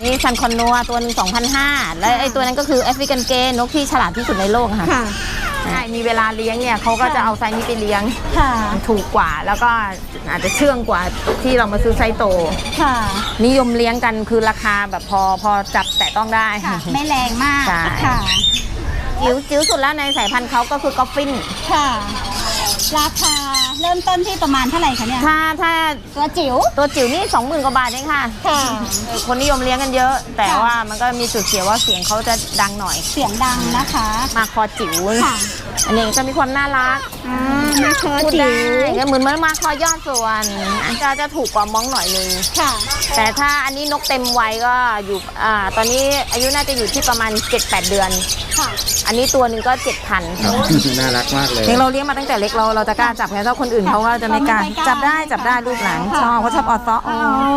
นี่ซันคอนนัวตัวหนึ่ง 2,500 และไอ้ตัวนั้นก็คือแอฟริกันเกย์นกที่ฉลาดที่สุดในโลกค่ะใช่มีเวลาเลี้ยงเนี่ยเขาก็จะเอาไซส์นี้ไปเลี้ยงถูกกว่าแล้วก็อาจจะเชื่องกว่าที่เรามาซื้อไซส์โตนิยมเลี้ยงกันคือราคาแบบพอจับแต่ต้องได้ไม่แรงมากค่ะจิ๋วสุดแล้วในสายพันธุ์เขาก็คือกอฟฟินค่ะราคาเริ่มต้นที่ประมาณเท่าไหร่คะเนี่ยถ้าตัวจิ๋วนี่ 20,000 กว่าบาทเองค่ะคนนิยมเลี้ยงกันเยอะแต่ว่ามันก็มีจุดเสียว่าเสียงเขาจะดังหน่อยเสียงดังนะคะมาคอจิ๋วอันนี้จะมีความน่ารักมาคอจิ๋วเหมือนมาคอยอดส่วนจะถูกกว่ามองหน่อยนึงแต่ถ้าอันนี้นกเต็มวัยก็อยู่ตอนนี้อายุน่าจะอยู่ที่ประมาณ 7-8 เดือนอันนี้ตัวหนึ่งก็ 7,000 น่ารักมากเลยเราเลี้ยงมาตั้งแต่เล็กเราจะกล้าจับไงถ้าคนอื่นเขาก็จะไม่กล้าจับได้ลูกหลังชอบเขาชอบออดซ้อ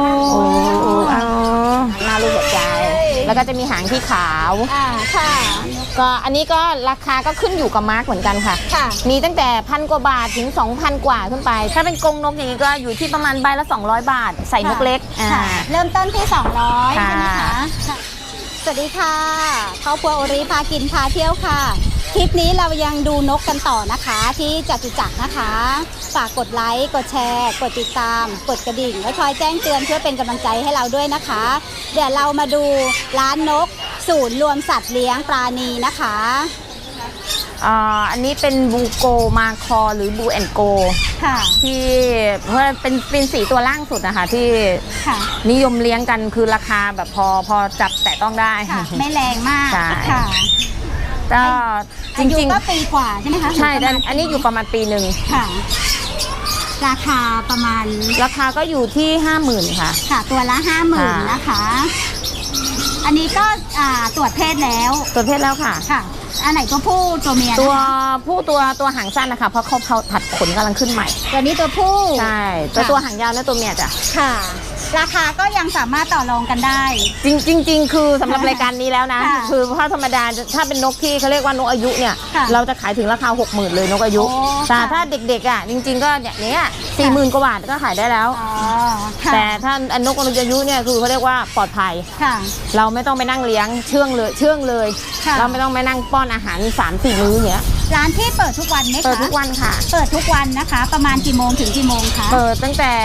หน้าลูกหัวใจแล้วก็จะมีหางที่ขาวก็อันนี้ก็ราคาก็ขึ้นอยู่กับมาร์กเหมือนกันค่ะมีตั้งแต่1,000 กว่าบาทถึง 2,000 กว่าขึ้นไปถ้าเป็นกรงนกอย่างนี้ก็อยู่ที่ประมาณใบละ200 บาทใส่นกเล็กเริ่มต้นที่200ใช่ไหมคะสวัสดีค่ะครอบครัวโอริพากินพาเที่ยวค่ะคลิปนี้เรายังดูนกกันต่อนะคะที่จตุจักรนะคะฝากกดไลค์กดแชร์กดติดตามกดกระดิ่งและคอยแจ้งเตือนเพื่อเป็นกำลังใจให้เราด้วยนะคะเดี๋ยวเรามาดูร้านนกศูนย์รวมสัตว์เลี้ยงปราณีนะคะอันนี้เป็นบูโกมาคอหรือบูแอนโกที่เพื่อเป็นสีตัวล่างสุดนะคะที่นิยมเลี้ยงกันคือราคาแบบพอจับแต่ต้องได้ไม่แรงมากค่ะก็จริงๆก็ปีกว่าใช่ไหมคะใช่อันนี้อยู่ประมาณปีหนึ่งค่ะราคาประมาณราคาก็อยู่ที่ 50,000 ค่ะตัวละ 50,000 นะคะอันนี้ก็ตรวจเพศแล้วค่ะอันไหนตัวผู้ตัวเมียตัวผู้ตัวหางสั้นนะคะเพราะเขาผัดขนกำลังขึ้นใหม่ตัวนี้ตัวผู้ใช่ตัวหางยาวและตัวเมียจ้ะค่ะราคาก็ยังสามารถต่อรองกันได้จริงคือสำหรับรายการนี้แล้วนะคือเพราะธรรมดาถ้าเป็นนกที่เขาเรียกว่านกอายุเนี่ยเราจะขายถึงราคา 60,000 เลยนกอายุแต่ถ้าเด็กๆจริงๆก็เนี่ย 40,000 กว่าบาทก็ขายได้แล้วแต่ถ้านกอายุเนี่ยคือเขาเรียกว่าปลอดภัยเราไม่ต้องไปนั่งเลี้ยงเชื่องเลยเราไม่ต้องไปนั่งป้อนอาหาร 3-4 มื้อเนี้ยร้านที่เปิดทุกวันไหมคะเปิดทุกวันค่ะเปิดทุกวันนะคะประมาณกี่โมงถึงกี่โมงคะเปิดตั้งแต่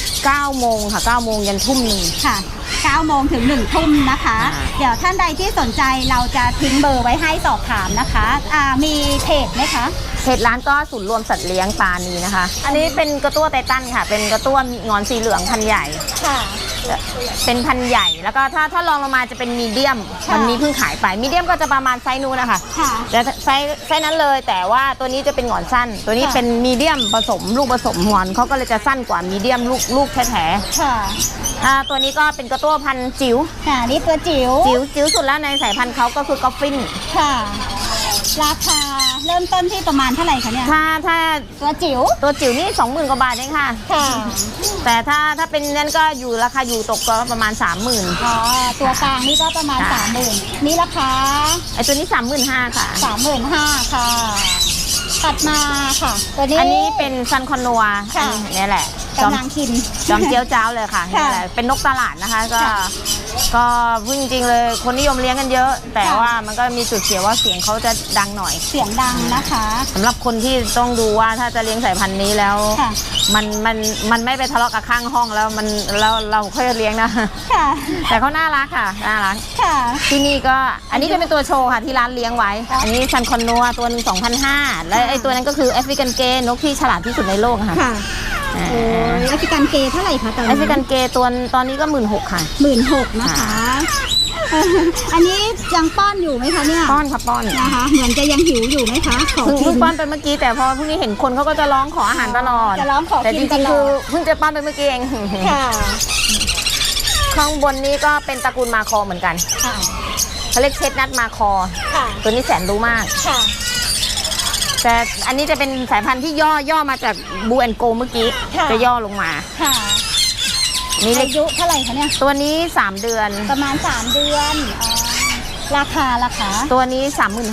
9 โมงค่ะ9 โมงยันทุ่มหนึ่งค่ะ9 โมงถึง1 ทุ่มนะคะเดี๋ยวท่านใดที่สนใจเราจะทิ้งเบอร์ไว้ให้สอบถามนะคะมีเพจไหมคะเพจร้านก็ศูนย์รวมสัตว์เลี้ยงปราณีนะคะอันนี้เป็นกระตั้วไททันค่ะเป็นกระตั้วงอนสีเหลืองพันใหญ่ค่ะเป็นพันใหญ่แล้วก็ถ้าลองลงมาจะเป็นมีเดียมวันนี้เพิ่งขายไปมีเดียมก็จะประมาณไซส์นู้นนะคะแต่ไซส์นั้นเลยแต่ว่าตัวนี้จะเป็นงอนสั้นตัวนี้เป็นมีเดียมผสมลูกผสมงอนเขาก็เลยจะสั้นกว่ามีเดียมลูกแท้ๆตัวนี้ก็เป็นกระตั้วพันจิ๋วนี่ตัวจิ๋วสุดแล้วในสายพันธุ์เขาก็คือกอฟฟินค่ะราคาเริ่มต้นที่ประมาณเท่าไหร่คะเนี่ยถ้าตัวจิ๋วนี่ 20,000 กว่าบาทเองค่ะแต่ถ้าเป็นนั้นก็อยู่ราคาอยู่ตกก็ประมาณ 30,000 ตัวกลางนี่ก็ประมาณ 30,000นี่ราคาไอตัวนี้ 35,000 ค่ะ 35,000 ค่ะตัดมาค่ะตัวนี้อันนี้เป็นซันคอนนัวนี่แหละกำลังกินจอมเจียวเจ้าเลยค่ะนี่แหละเป็นนกตลาดนะคะก็พึ่งจริงเลยคนนิยมเลี้ยงกันเยอะแต่ว่ามันก็มีจุดเสียว่าเสียงเขาจะดังหน่อยเสียงดังนะคะสำหรับคนที่ต้องดูว่าถ้าจะเลี้ยงสายพันธุ์นี้แล้วมันไม่ไปทะเลาะกับข้างห้องแล้วเราค่อยเลี้ยงนะแต่เขาน่ารักค่ะน่ารักที่นี่ก็อันนี้จะเป็นตัวโชว์ค่ะที่ร้านเลี้ยงไว้อันนี้ซันคอนนัวตัวหนึ่ง 2,500 และไอ้ตัวนั้นก็คือแอฟริกันเกย์นกที่ฉลาดที่สุดในโลกค่ะแอฟริกันเกย์เท่าไหร่คะตอนนี้แอฟริกันเกย์ตัวตอนนี้ก็ 16,000 ค่ะ 16,000นะคะอันนี้ยังป้อนอยู่ไหมคะเนี่ยป้อนค่ะป้อนนะคะเหมือนจะยังหิวอยู่ไหมคะเพิ่งป้อนไปเมื่อกี้แต่พอพรุ่งนี้เห็นคนเขาก็จะร้องขออาหารตลอดจะร้องขอแต่จริงๆคือเพิ่งจะป้อนไปเมื่อกี้เองค่ะข้างบนนี้ก็เป็นตระกูลมาคอเหมือนกันเขาเรียกเชดนัทมาคอตัวนี้แสนรู้มากแต่อันนี้จะเป็นสายพันธุ์ที่ย่อมาจากบูแอนโกเมื่อกี้จะย่อลงมานี่อายุเท่าไหร่คะเนี่ยตัวนี้3 เดือนประมาณ3 เดือนราคาตัวนี้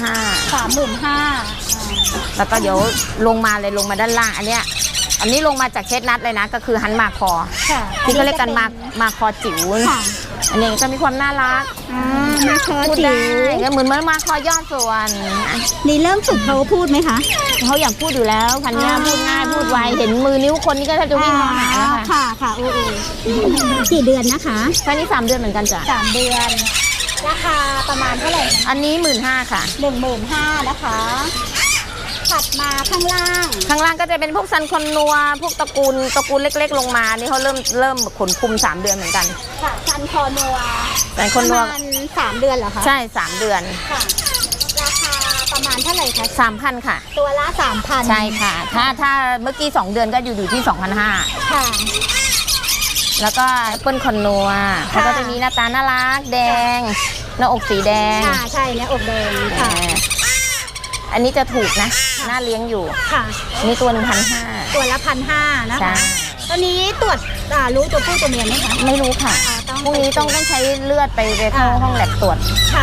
35,000 แล้วก็เดี๋ยวลงมาด้านล่างอันนี้ลงมาจากเชดนัทเลยนะก็คือฮันมาคอที่เขาเรียกกันมาคอจิ๋วอันนี้จะมีความน่ารักมาคอพูดจิ๋ได้วก็เหมือนมาคอยอดส่วนนี่เริ่มฝึกเขาพูดไหมคะเขาอยากพูดอยู่แล้วพันธุ์เนี้ยพูดง่ายพูดไวเห็นมือนิ้วคนนี้ก็แทบจะวิ่งมาหาแล้วค่ะค่ะค่ะโอ้กี่เดือนนะคะพันธุ์นี้3 เดือนเหมือนกันจ้ะ 3 เดือน ราคาประมาณเท่าไหร่อันนี้15,000ค่ะ 15,000นะคะ ถัดมาข้างล่างข้างล่างก็จะเป็นพวกซันคอนนัวพวกตระกูลเล็กๆลงมานี่เขาเริ่มขนคุม3 เดือนเหมือนกันค่ะซันคอนัวซันคอนนัวประมาณ3 เดือนเหรอคะใช่3 เดือนค่ะ ราคาประมาณเท่าไหร่คะ 3,000ค่ะตัวละ 3,000 ใช่ค่ะ ถ้าเมื่อกี้2 เดือนก็อยู่ที่ 2,500 ค่ะแล้วก็แอปเปิลคอนนัวเขาก็จะมีหน้าตาน่ารักแดงหน้าอกสีแดงค่ะใช่เนี่ยอกแดงค่ะอันนี้จะถูกนะน่าเลี้ยงอยู่ค่ะนี่ตัว 1,500 ตัวละ1,500นะใช่คะ ตอนนี้ตรวจรู้ตัวผู้ตัวเมียไหมคะไม่รู้ค่ะต้องพรุ่งนี้ต้องใช้เลือดไปเข้าห้องแลบตรวจค่ะ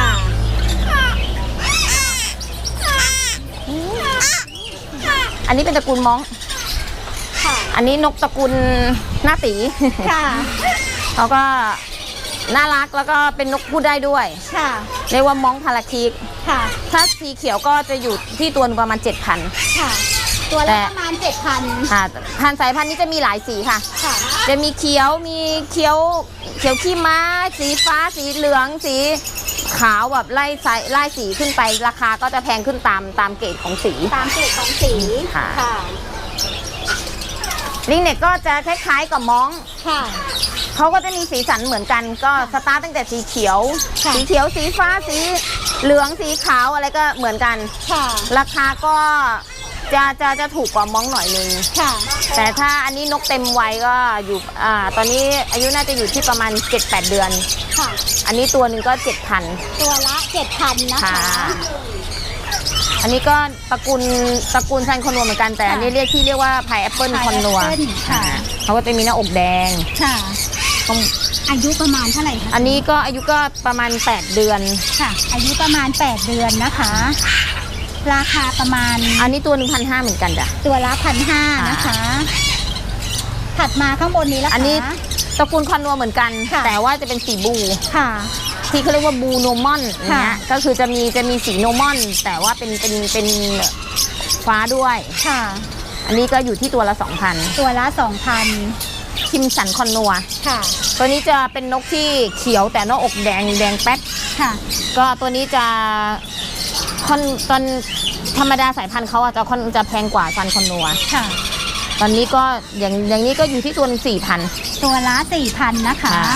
อันนี้เป็นตระกูลม้องค่ะอันนี้นกตระกูลหน้าตีค่ะเขาก็น่ารักแล้วก็เป็นนกพูดได้ด้วยค่ะเรียกว่าม้องพาราคิกค่ะถ้าสีเขียวก็จะอยู่ที่ตัวหนึ่งประมาณ 7,000 ค่ะ ตัวแต่ละประมาณ 7,000 ค่ะพันธุ์สายพันธุ์นี้จะมีหลายสีค่ะค่ะจะมีเขียวมีเขียวขี้ม้า สีฟ้าสีเหลืองสีขาวแบบไล่สีขึ้นไปราคาก็จะแพงขึ้นตามเกรดของสีตามเกรดของสีค่ะค่ะลิงเน็กก็จะคล้ายๆกับม้องค่ะเขาก็จะมีสีสันเหมือนกันก็สตาร์ทตั้งแต่สีเขียวค่ะสีเขียวสีฟ้าสีเหลืองสีขาวอะไรก็เหมือนกันค่ะราคาก็จะถูกกว่าม้องหน่อยนึงค่ะแต่ถ้าอันนี้นกเต็มวัยก็อยู่ตอนนี้อายุน่าจะอยู่ที่ประมาณ 7-8 เดือนค่ะอันนี้ตัวหนึ่งก็ 7,000 ตัวละ 7,000 นะคะค่ะ อันนี้ก็ตระกูลซันคอนนัวเหมือนกันแต่อันนี้เรียกว่าพายแอปเปิลคอนนัว Pineapple ค่ะเขาก็จะมีหน้าอกแดงค่ะ อายุประมาณเท่าไหร่คะอันนี้ก็อายุก็ประมาณ 8 เดือนค่ะ อายุประมาณ 8 เดือนนะคะ ราคาประมาณอันนี้ตัว 1,500 เหมือนกันจ้ะตัวละ1,500นะคะ ถัดมาข้างบนนี้แล้วอันนี้ตระกูลคอนนัวเหมือนกันค่ะแต่ว่าจะเป็นสีบูค่ะที่เขาเรียกว่าบูโนมอนอย่างเงี้ยค่ะก็คือจะมีสีโนมอน แต่ว่าเป็นฟ้าด้วยค่ะอันนี้ก็อยู่ที่ตัวละ 2,000 ตัวละ 2,000 คิมสันคอนนัวค่ะตัวนี้จะเป็นนกที่เขียวแต่หน้าอกแดงแป๊ดค่ะก็ตัวนี้จะตอนธรรมดาสายพันธุ์เขาอะจะแพงกว่าซันคอนนัวค่ะตอนนี้ก็อย่างนี้ก็อยู่ที่ตัว4,000 ตัวละ 4,000 นะคะค่ะ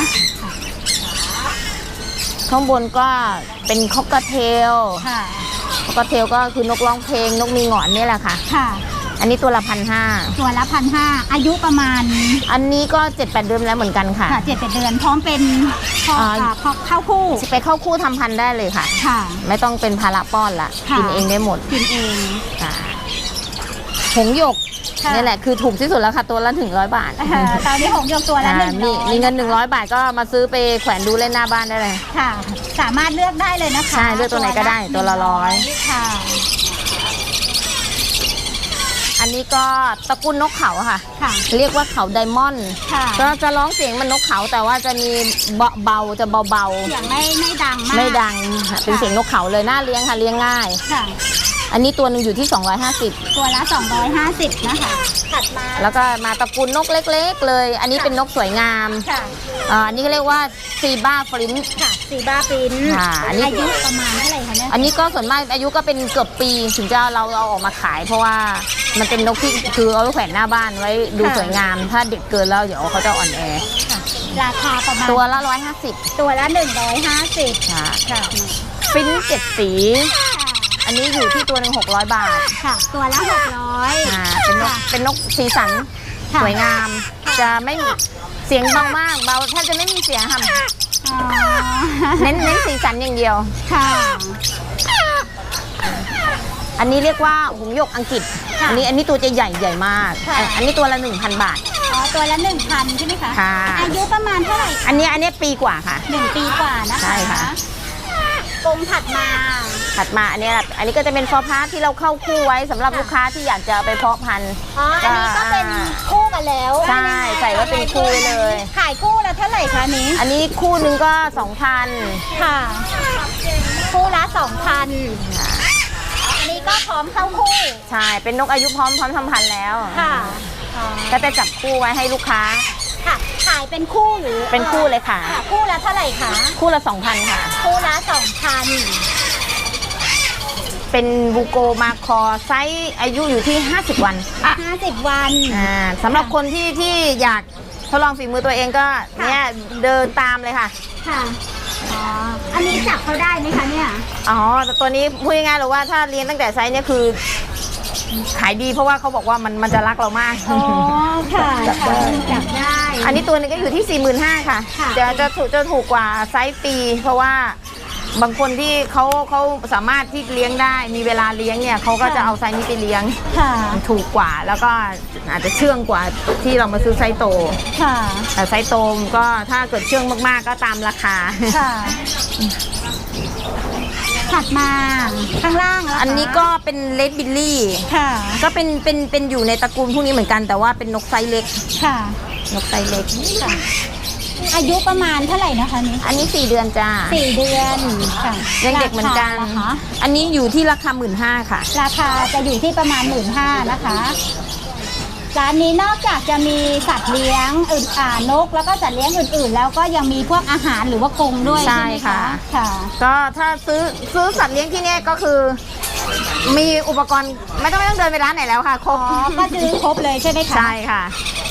ข้างบนก็เป็นคอกเทลค่ะคอกเทลก็คือนกร้องเพลงนกมีหงอนนี่แหละค่ะค่ะอันนี้ตัวละ1,500 ตัวละ1,500 อายุประมาณอันนี้ก็ 7-8 เดือนแล้วเหมือนกันค่ะค่ะ7-8 เดือน พร้อมเป็นพอ พอเข้าคู่ไปเข้าคู่ทำพันธุ์ได้เลยค่ะค่ะไม่ต้องเป็นภาระป้อนละค่ะกินเองได้หมดกินเองค่ะหงส์หยกค่ะนี่แหละคือถูกที่สุดแล้วค่ะตัวละ100 บาทตอนนี้หงส์หยกตัวละอ่า 100 มีเงิน100 บาทก็มาซื้อไปแขวนดูเล่นหน้าบ้านได้เลยค่ะ สามารถเลือกได้เลยนะคะใช่เลือกตัวไหนก็ได้ตัวละ100 ค่ะอันนี้ก็ตระกูลนกเขาค่ะค่ะเรียกว่าเขาไดมอนด์ค่ะก็จะร้องเสียงมันนกเขาแต่ว่าจะมีเบาจะเบาเสียงไม่ดังมากไม่ดังค่ะเป็นเสียงนกเขาเลยน่าเลี้ยงค่ะเลี้ยงง่ายค่ะอันนี้ตัวหนึ่งอยู่ที่250 ตัวละ 250 นะคะ ถัดมาแล้วก็มาตระกูลนกเล็กๆเลย อันนี้เป็นนกสวยงามค่ะอันนี้เขาเรียกว่าซีบ้าฟรินค่ะซีบาฟินค่ะอันนี้อายุประมาณเท่าไหร่คะเนี่ยอันนี้ก็ส่วนมากอายุก็เป็นเกือบปีถึงจะเราเอาออกมาขาย เพราะว่ามันเป็นนกที่คือเอาไว้แขวนหน้าบ้านไว้ดูสวยงาม ถ้าเด็กเกินแล้วเดี๋ยวเขาจะอ่อนแอค่ะ ราคาประมาณตัวละ150 ตัวละ 150 ค่ะค่ะฟิน7 สี อันนี้อยู่ที่ตัวหนึ่ง600 บาทค่ะ ตัวละ 600 เป็นนกสีสันค่ะสวยงาม จะไม่มีเสียงเบามากเบาแทบจะไม่มีเสียงค่ะอ๋อเน้นสีสันอย่างเดียวค่ะอันนี้เรียกว่าหงส์หยกอังกฤษค่ะอันนี้ตัวจะใหญ่มากค่ะอันนี้ตัวละ 1,000 บาทอ๋อ ตัวละ 1,000 ใช่ไหมคะค่ะอายุประมาณเท่าไหร่อันนี้ปีกว่าค่ะ 1 ปีกว่านะคะใช่ค่ะกรงถัดมาอันนี้ก็จะเป็นฟอร์พาร์ทที่เราเข้าคู่ไว้สำหรับลูกค้าที่อยากจะเอาไปเพาะพันธุ์อ๋ออันนี้ก็เป็นคู่กันแล้วใช่ใส่ไว้เป็นคู่เลยขายคู่ละเท่าไหร่คะนี้อันนี้คู่หนึ่งก็ 2,000 ค่ะ คู่ละ 2,000 อันนี้ก็พร้อมเข้าคู่ใช่เป็นนกอายุพร้อมทำพันธุ์แล้วค่ะก็จะจับคู่ไว้ให้ลูกค้าค่ะ ขายเป็นคู่หรือเป็นคู่เลยค่ะค่ะ คู่ละเท่าไหร่คะคู่ละ 2,000 ค่ะคู่ละเป็นบูโกมาคอไซส์อายุอยู่ที่ 50 วัน 2,000 50 วันสำหรับคนที่อยากทดลองฝีมือตัวเองก็เนี่ยเดินตามเลยค่ะค่ะ อ๋อ อันนี้จับเขาได้ไหมคะเนี่ยอ๋อแต่ตัวนี้พูดง่ายๆเลยว่าถ้าเลี้ยงตั้งแต่ไซส์เนี่ยคือขายดีเพราะว่าเขาบอกว่ามันจะรักเรามากอ๋อ ค่ะจับได้จับได้อันนี้ตัวนึงก็อยู่ที่ 45,000 ค่ะค่ะจะถูกกว่าไซส์ปี เพราะว่าบางคนที่เขาสามารถที่เลี้ยงได้มีเวลาเลี้ยงเนี่ยเขาก็จะเอาไซส์นี้ไปเลี้ยงค่ะถูกกว่าแล้วก็อาจจะเชื่องกว่าที่เรามาซื้อไซส์โตค่ะแต่ไซส์โตมก็ถ้าเกิดเชื่องมากๆก็ตามราคาค่ะ ถัดมาข้างล่างแล้วอันนี้ก็เป็นเลดบิลลี่ค่ะก็เป็นอยู่ในตระกูลพวกนี้เหมือนกันแต่ว่าเป็นนกไซส์เล็กค่ะนกไซส์เล็กค่ะ อายุประมาณเท่าไหร่นะคะนี้อันนี้4 เดือนจ้า 4 เดือนค่ะยังเด็กเหมือนกันราคาล่ะคะอันนี้อยู่ที่ราคา 15,000 ค่ะราคาจะอยู่ที่ประมาณ 15,000 นะคะ ร้านนี้นอกจากจะมีสัตว์เลี้ยงนกแล้วก็สัตว์เลี้ยงอื่นๆ แล้วก็ยังมีพวกอาหารหรือว่ากรงด้วยใช่ใช่ไหมค่ะคะค่ะก็ถ้าซื้อสัตว์เลี้ยงที่เนี่ยก็คือ มีอุปกรณ์ไม่ต้องเดินไปร้านไหนแล้วค่ะครบอ๋อ ก็ซื้อครบเลยใช่ไหมคะใช่ค่ะ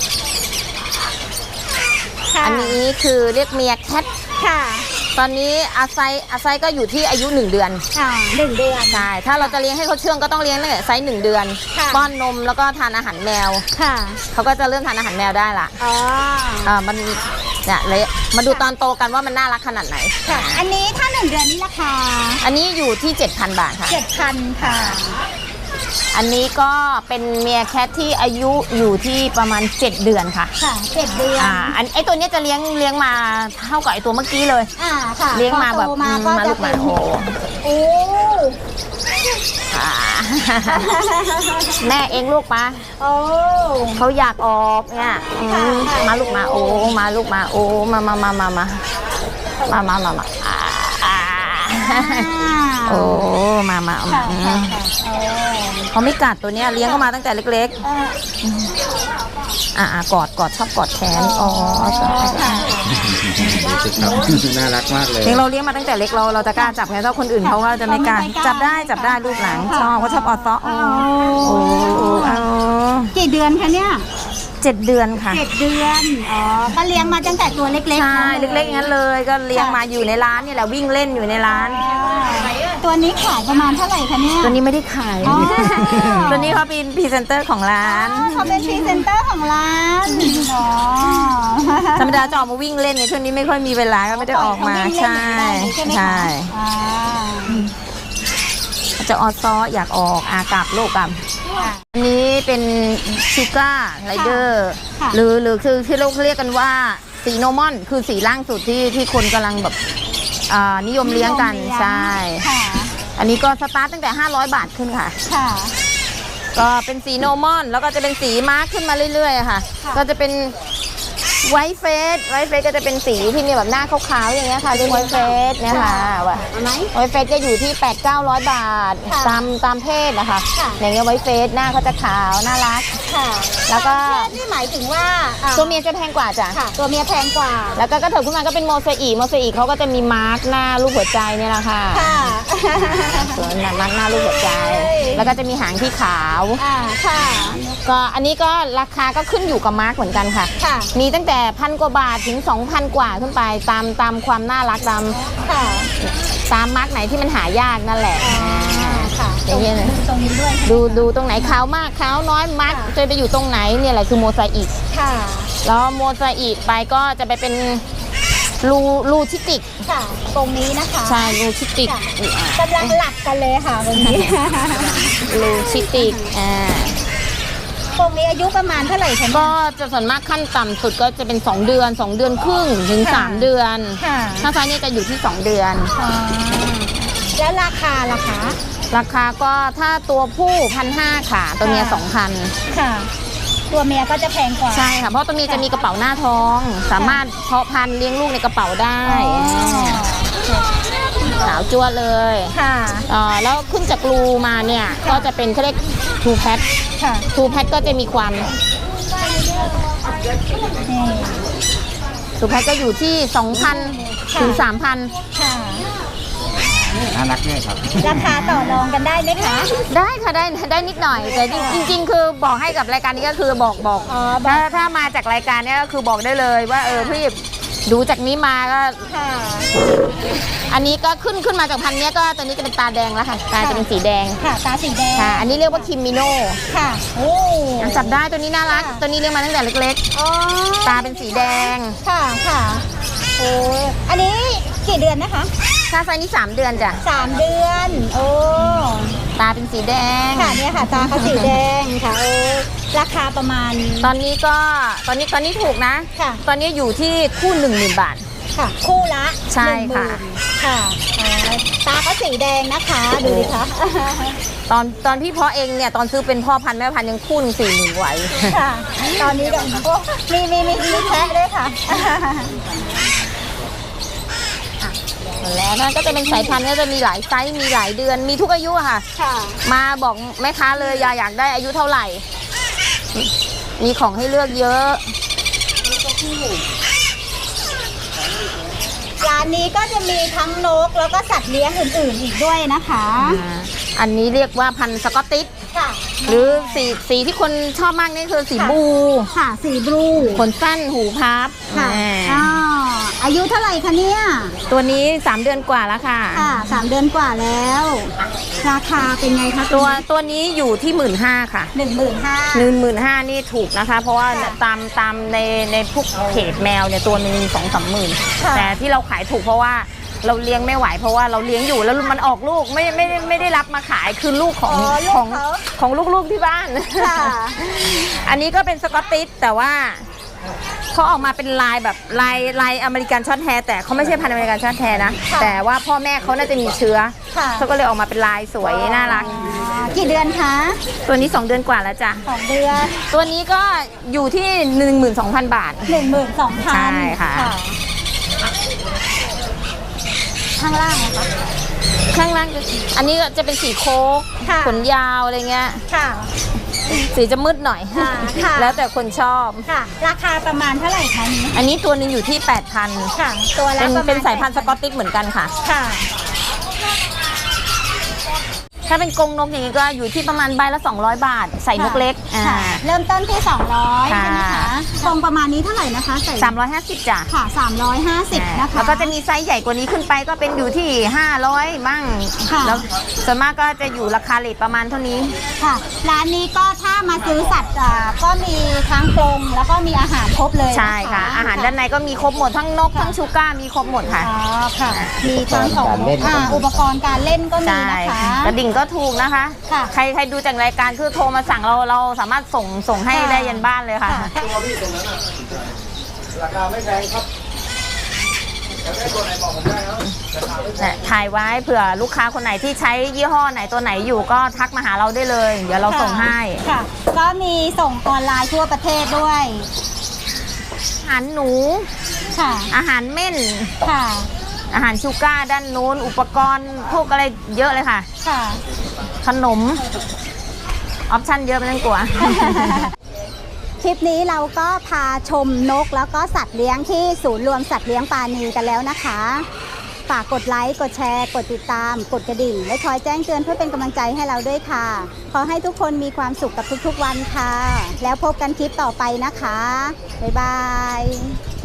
ค่ะอันนี้คือเรียกเมียแคทค่ะตอนนี้อาไซก็อยู่ที่อายุ1 เดือน 1 เดือนใช่ถ้าเราจะเลี้ยงให้เขาเชื่องก็ต้องเลี้ยงตั้งแต่ไซส์1 เดือนค่ะป้อนนมแล้วก็ทานอาหารแมวค่ะเขาก็จะเริ่มทานอาหารแมวได้ละอ๋อมันเนี่ยเลยมาดูตอนโตกันว่ามันน่ารักขนาดไหนค่ะ อันนี้ถ้า 1 เดือนนี้ราคาอันนี้อยู่ที่ 7,000 บาทค่ะ 7,000 ค่ะอันนี้ก็เป็นเมียแคทที่อายุอยู่ที่ประมาณ7 เดือนค่ะค่ะ 7 เดือนไอตัวเนี้ยจะเลี้ยงมาเท่ากับไอตัวเมื่อกี้เลยค่ะเลี้ยงมาแบบพอโตมาก็มาจะลูกหเป็มาน โอ้โอ้อ่า แม่เองลูกปะโอ้เขาอยากออกเนี่ยมาลูกมาโอ้มาลูกมาโอ้มาโอ้มาค่ะค่ะโอ้เขาไม่กัดตัวเนี้ยเลี้ยงเขามาตั้งแต่เล็กๆกอดชอบกอดแขนอ๋อค่ะดูสิครับน่ารักมากเลยเลี้ยงเราเลี้ยงมาตั้งแต่เล็กเราจะกล้าจับไงถ้าคนอื่นเขาก็จะไม่กล้าจับได้ลูกหลังชอบเขาชอบออดซ้อโอ้กี่เดือนคะเนี่ย 7 เดือนค่ะ 7 เดือน อ๋อ ก็เลี้ยงมาตั้งแต่ตัวเล็กๆใช่นะเล็กๆอย่างนั้นเลยก็เลี้ยงมาอยู่ในร้านนี่แหละวิ่งเล่นอยู่ในร้านตัวนี้ขายประมาณเท่าไหร่คะเนี่ยตัวนี้ไม่ได้ขายอ๋อตัวนี้เขาเป็นพรีเซนเตอร์ของร้านเขาเป็นพรีเซนเตอร์ของร้านอ๋อธรรมดาจะออกมาวิ่งเล่นเนี่ยช่วงนี้ไม่ค่อยมีเวลาก็ไม่ได้ออกมาใช่ใช่จะออดซ้ออยากออกกลับลูกกลับอันนี้เป็นชูการ์ไรเดอร์หรือคือที่เราเรียกกันว่าสีโนมอนคือสีล่างสุดที่คนกำลังแบบนิยมเลี้ยงกันใช่ อันนี้ก็สตาร์ตตั้งแต่ 500 บาทขึ้นค่ะค่ะก็เป็นสีโนมอนแล้วก็จะเป็นสีมาร์คขึ้นมาเรื่อยๆค่ะ ก็จะเป็นไวท์เฟสก็จะเป็นสีที่มีแบบหน้าขาวๆอย่างเงี้ยค่ะเรียกไวท์เฟสเนี่ยค่ะไวท์เฟสจะอยู่ที่ 800-900 บาทตามเพศนะคะอย่างเงี้ยไวท์เฟสหน้าเขาจะขาวน่ารักค่ะแล้วก็นี่หมายถึงว่าตัวเมียจะแพงกว่าจ้ะค่ะ ตัวเมียแพงกว่าแล้วก็กระเถิบขึ้นมาก็เป็นโมเสอีเขาก็จะมีมาร์กหน้ารูปหัวใจเนี่ยแหละค่ะค่ะส่วนมาร์กหน้ารูปหัวใจ แล้วก็จะมีหางที่ขาวค่ะก็อันนี้ก็ราคาก็ขึ้นอยู่กับมาร์กเหมือนกันค่ะค่ะมีตั้งแต่1,000 กว่าบาทถึง 2,000 กว่าขึ้นไปตามความน่ารักค่ะตามมาร์กไหนที่มันหายากนั่นแหละค่ะอย่างเงี้ยตรงนี้ด้วยดูตรงไหนขาวมากขาวน้อยมาร์กจะไปอยู่ตรงไหนเนี่ยแหละคือโมไซอิกค่ะแล้วโมไซอิกไปก็จะไปเป็นรูชิติกค่ะ ตรงนี้นะคะใช่รูชิติกกำลังหลับกันเลยค่ะวันนี้รูชิติกตรงนี้อายุประมาณเท่าไหร่คะก็จะส่วนมากขั้นต่ำสุดก็จะเป็น2 เดือน 2 เดือนครึ่งถึง3 เดือนค่ะถ้าไซส์นี่จะอยู่ที่2 เดือนคแล้วราคาล่ะคะราคาก็ถ้าตัวผู้1,500ค่ะ ตัวเมีย 2,000 ค่ะ ตัวเมียก็จะแพงกว่าใช่ค่ะ เพราะตัวเมียจะมีกระเป๋าหน้าท้อง สามารถเพาะพันธุ์เลี้ยงลูกในกระเป๋าได้ ขาวจั่วเลยค่ะแล้วขึ้นจากรูมาเนี่ย ก็จะเป็นเขาเรียกทูแพทค่ะทูแพทก็จะมีความนี่ทูแพทก็อยู่ที่ 2,000 ถึง 3,000 ค่ะน่ารักด้วยครับราคาต่อรองกันได้ไหมคะได้ค่ะได้นิดหน่อย แต่จริงๆ คือบอกให้กับรายการนี้ก็คือบอกอ๋อบอกถ้ามาจากรายการเนี้ยก็คือบอกได้เลยว่าพี่ดูจากนี้มาก็ค่ะอันนี้ก็ขึ้นมาจากพันธุ์เนี้ยก็ตัวนี้จะเป็นตาแดงแล้วค่ะตาจะเป็นสีแดงค่ะ ตาสีแดงค่ะ อันนี้เรียกว่าคิมมิโน่ค่ะ โอ้จับได้ตัวนี้น่ารักค่ะตัวนี้เลี้ยงมาตั้งแต่เล็กอ๋อๆ ตาเป็นสีแดงค่ะ ค่ะโอ้อันนี้กี่เดือนนะคะถ้าไซส์นี้3 เดือนจ้ะ 3 เดือน โอ้ตาเป็นสีแดงค่ะเนี่ยค่ะ ตาเขาสีแดงค่ะ โอ้ ราคาประมาณตอนนี้ถูกนะค่ะตอนนี้อยู่ที่คู่ 10,000 บาทค่ะ คู่ละใช่ค่ะ 10,000ค่ะอ๋อตาเขาสีแดงนะคะ ดูดิคะตอนพี่เพาะเองเนี่ยตอนซื้อเป็นพ่อพันธุ์แม่พันธุ์ยังคู่หนึ่ง40,000ไหวค่ะ ตอนนี้ก็โอ้มีแพะด้วยค่ะแล้วนั่นก็จะเป็นสายพันธุ์ก็จะมีหลายไซส์มีหลายเดือนมีทุกอายุอะค่ะค่ะมาบอกแม่ค้าเลยอยากได้อายุเท่าไหร่ มีของให้เลือกเยอะร้านนี้ก็จะมีทั้งนกแล้วก็สัตว์เลี้ยงอื่นๆอีกด้วยนะคะอันนี้เรียกว่าพันธุ์สกอตติชค่ะหรือสีที่คนชอบมากนี่คือสีบลูค่ะสีบลูขนสั้นหูพับค่ะแหมอ๋ออายุเท่าไหร่คะเนี่ยตัวนี้3 เดือนกว่าแล้วค่ะค่ะ3 เดือนกว่าแล้ว ราคาเป็นไงคะตัวนี้อยู่ที่15,000ค่ะ 15,000 นี่ถูกนะคะ เพราะว่าค่ะตามในพวกเพจแมวเนี่ยตัวหนึ่ง2-3 หมื่นค่ะแต่ที่เราขายถูกเพราะว่าเราเลี้ยงไม่ไหวเพราะว่าเราเลี้ยงอยู่แล้วมันออกลูกไม่ได้รับมาขายคือลูกของอ๋อลูกของเขาของลูกๆที่บ้านค่ะอันนี้ก็เป็นสกอตติชแต่ว่าเขาออกมาเป็นลายแบบลายอเมริกันช็อตแฮร์แต่เขาไม่ใช่พันธุ์อเมริกันช็อตแฮร์นะค่ะแต่ว่าพ่อแม่เขาน่าจะมีเชื้อค่ะเขาก็เลยออกมาเป็นลายสวยน่ารักกี่เดือนคะตัวนี้ 2 เดือนกว่าแล้วจ้ะ 2 เดือนตัวนี้ก็อยู่ที่ 12,000 บาท 12,000 ใช่ค่ะข้างล่างนะคะข้างล่างอันนี้ก็จะเป็นสีโค้กค่ะขนยาวอะไรเงี้ยค่ะสีจะมืดหน่อยค่ะค่ะแล้วแต่คนชอบค่ะ ราคาประมาณเท่าไหร่คะนี้อันนี้ตัวหนึงอยู่ที่ 8,000 ค่ะ ตัวละประมาณเป็นสายพันธุ์สกอตติชเหมือนกันค่ะค่ะถ้าเป็นกรงนกอย่างนี้ก็อยู่ที่ประมาณใบละ 200 บาท ใส่นกเล็กค่ะ เริ่มต้นที่ 200 ค่ะใช่ไหมคะทรงประมาณนี้เท่าไหร่นะคะใส่ 350จ้ะค่ะ 350 นะคะแล้วก็จะมีไซส์ใหญ่กว่านี้ขึ้นไปก็เป็นอยู่ที่500มั่งค่ะแล้วส่วนมากก็จะอยู่ราคาเรทประมาณเท่านี้ค่ะ ร้านนี้ก็ถ้ามาซื้อสัตว์ก็มีทั้งกรงแล้วก็มีอาหารครบเลยนใช่ค่ะ อาหารด้านในก็มีครบหมดทั้งนกทั้งชูก้ามีครบหมดค่ะอ๋อค่ะ มีทั้งของการเล่นอุปกรณ์การเล่นก็มีใช่นะคะกระดิ่งก็ถูกนะคะค่ะใครดูจากรายการคือโทรมาสั่งเราสามารถส่งให้ค่ะได้ยันบ้านเลยค่ะค่ะเนี่ยถ่ายไว้เผื่อลูกค้าคนไหนที่ใช้ยี่ห้อไหนตัวไหนอยู่ก็ทักมาหาเราได้เลย เดี๋ยวเราส่งให้ค่ะ ก็มีส่งออนไลน์ทั่วประเทศด้วยอาหารหนูค่ะอาหารเม่นค่ะอาหารชูก้าด้านนู้นอุปกรณ์พวกอะไรเยอะเลยค่ะค่ะขนม ออปชั่นเยอะไม่ต้องกลัวคลิปนี้เราก็พาชมนกแล้วก็สัตว์เลี้ยงที่ศูนย์รวมสัตว์เลี้ยงปานีกันแล้วนะคะ ฝากกดไลค์ กดแชร์ กดติดตาม กดกระดิ่ง และคอยแจ้งเตือนเพื่อเป็นกำลังใจให้เราด้วยค่ะ ขอให้ทุกคนมีความสุขกับทุกๆวันค่ะ แล้วพบกันคลิปต่อไปนะคะ บ๊ายบาย